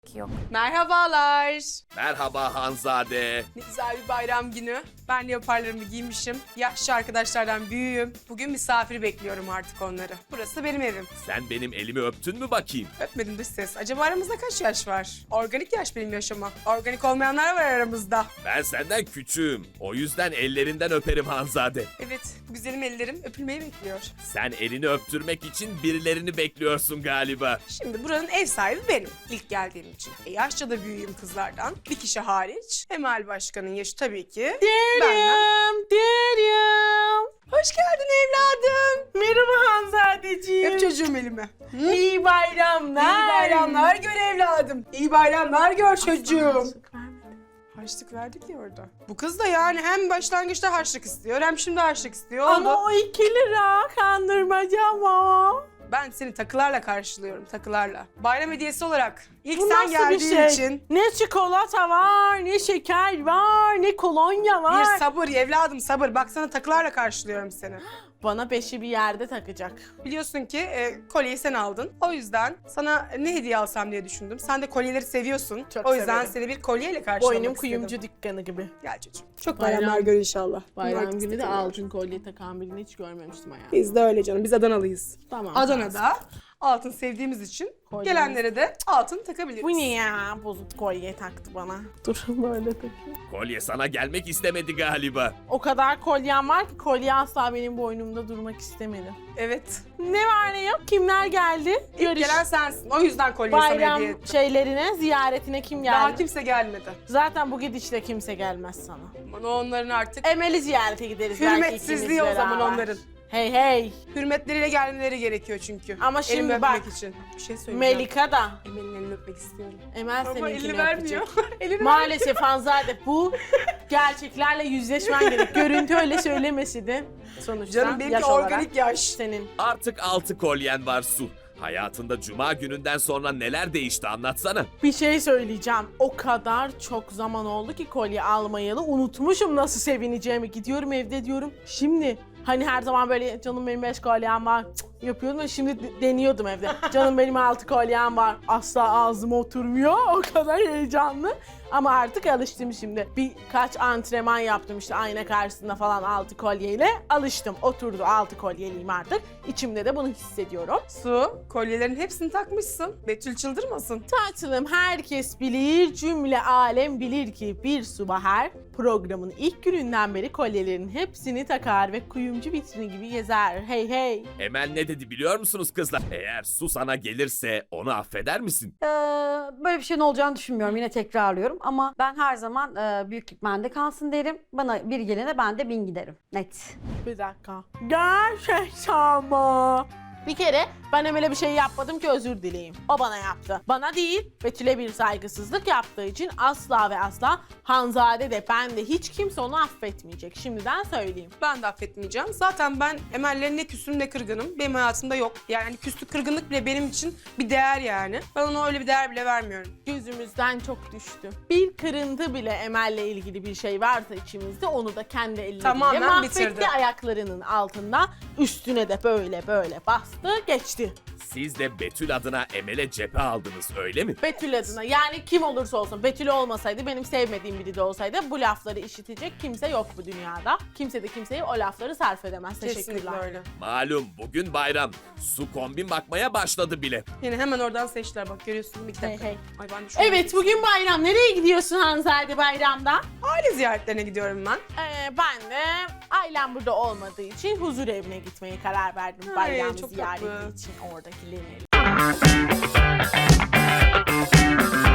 Yok. Merhabalar. Merhaba Hanzade. Ne güzel bir bayram günü. Ben leoparlarımı giymişim. Yaşlı arkadaşlardan büyüğüm. Bugün misafir bekliyorum artık onları. Burası benim evim. Sen benim elimi öptün mü bakayım? Öpmedim dış ses. Acaba aramızda kaç yaş var? Organik yaş benim yaşama. Organik olmayanlar var aramızda. Ben senden küçüğüm. O yüzden ellerinden öperim Hanzade. Evet, güzelim ellerim öpülmeyi bekliyor. Sen elini öptürmek için birilerini bekliyorsun galiba. Şimdi buranın ev sahibi benim. İlk geldiğim için. Yaşça da büyüğüm kızlardan. Bir kişi hariç. Emel Başkan'ın yaşı tabii ki. Benden. Derim. Hoş geldin evladım. Merhaba Hanzadeciğim. Öp çocuğum elime. İyi bayramlar. İyi bayramlar gör evladım. İyi bayramlar gör çocuğum. Harçlık verdik ya orada. Bu kız da yani hem başlangıçta harçlık istiyor hem şimdi harçlık istiyor. Ama Oldu. o 2 lira kandırmaca ama. Ben seni takılarla karşılıyorum, takılarla. Bayram hediyesi olarak ilk Bu sen nasıl bir geldiğin şey? için Ne çikolata var, ne şeker var, ne kolonya var. bir sabır evladım sabır. Bak sana takılarla karşılıyorum seni. Bana beşi bir yerde takacak. Biliyorsun ki kolyeyi sen aldın. O yüzden sana ne hediye alsam diye düşündüm. Sen de kolyeleri seviyorsun. Çok o yüzden severim. seni bir kolyeyle karşılamak Boynum istedim. kuyumcu dükkanı gibi. Gel çocuğum. Çok Bayram- bayramlar gör inşallah. Bayram Bunlar günü de istedim. altın kolye takan birini hiç görmemiştim hayatımda. Biz de öyle canım. Biz Adanalıyız. Tamam. Adana'da altın sevdiğimiz için Kolye. gelenlere de altın takabiliriz. Bu ne ya? Bozuk kolye taktı bana. Dur böyle takayım. Kolye sana gelmek istemedi galiba. O kadar kolyem var ki kolye asla benim boynumda durmak istemedi. Evet. Ne var ne yok? Kimler geldi? İlk gelen sensin. O yüzden kolyeyi sana hediye Bayram ettim. şeylerine, ziyaretine kim geldi? Daha kimse gelmedi. Zaten bu gidişle kimse gelmez sana. Ama onların artık Emel'i ziyarete gideriz belki hürmetsizliği ikimiz o zaman beraber. onların. Hey hey. Hürmetleriyle gelmeleri gerekiyor çünkü. Ama şimdi Elimi bak, öpmek için. Bir şey söyleyeceğim. Melika da. Emel'in elini öpmek istiyorum. Emel Ama seninkini elini öpecek. vermiyor. Elini Maalesef Hanzade bu gerçeklerle yüzleşmen gerek. Görüntü öyle söylemesi de sonuçta Canım benimki yaş organik olarak yaş. senin. Artık 6 kolyen var Su. Hayatında cuma gününden sonra neler değişti anlatsana. Bir şey söyleyeceğim. O kadar çok zaman oldu ki kolye almayalı. Unutmuşum nasıl sevineceğimi. Gidiyorum evde diyorum. Şimdi hani her zaman böyle canım benim 5 kolyem var yapıyordum ve şimdi deniyordum evde. Canım benim 6 kolyem var. Asla ağzıma oturmuyor. O kadar heyecanlı. Ama artık alıştım şimdi. Birkaç antrenman yaptım işte ayna karşısında falan 6 kolyeyle. Alıştım. Oturdu 6 kolyeliyim artık. İçimde de bunu hissediyorum. Su, kolyelerin hepsini takmışsın. Betül çıldırmasın. Tatlım herkes bilir, cümle alem bilir ki bir Su Bahar programın ilk gününden beri kolyelerin hepsini takar ve kuyumcu vitrini gibi gezer. Hey hey. Emel ne dedi biliyor musunuz kızlar? Eğer Su sana gelirse onu affeder misin? Böyle bir şeyin olacağını düşünmüyorum. Yine tekrarlıyorum. Ama ben her zaman büyüklük bende kalsın derim. Bana bir gelene ben de 1000 giderim. Net. Bir dakika. Gerçekten mi? Bir kere ben Emel'e bir şey yapmadım ki özür dileyim. O bana yaptı. Bana değil, Betül'e bir saygısızlık yaptığı için asla ve asla Hanzade de ben de hiç kimse onu affetmeyecek. Şimdiden söyleyeyim. Ben de affetmeyeceğim. Zaten ben Emel'le ne küsüm ne kırgınım. Benim hayatımda yok. Yani küslük kırgınlık bile benim için bir değer yani. Ben ona öyle bir değer bile vermiyorum. Gözümüzden çok düştü. Bir kırıntı bile Emel'le ilgili bir şey varsa içimizde onu da kendi elleriyle Tamamen mahvetti bitirdi. ayaklarının altında. Üstüne de böyle bastı geçti. Siz de Betül adına Emel'e cephe aldınız öyle mi? Betül adına yani kim olursa olsun Betül olmasaydı benim sevmediğim biri de olsaydı bu lafları işitecek kimse yok bu dünyada. Kimse de kimseye o lafları sarf edemez. Kesinlikle Teşekkürler. öyle. Malum bugün bayram. Su kombin bakmaya başladı bile. Yine hemen oradan seçtiler bak görüyorsun bir dakika. Hey, hey. Ay ben de şu an- Evet bugün bayram. Nereye gidiyorsun Hanzade bayramda? Aile ziyaretlerine gidiyorum ben. Ben de ailem burada olmadığı için huzur evine gitmeye karar verdim. Ay, Bayram çok ziyareti tatlı. için oradakileri.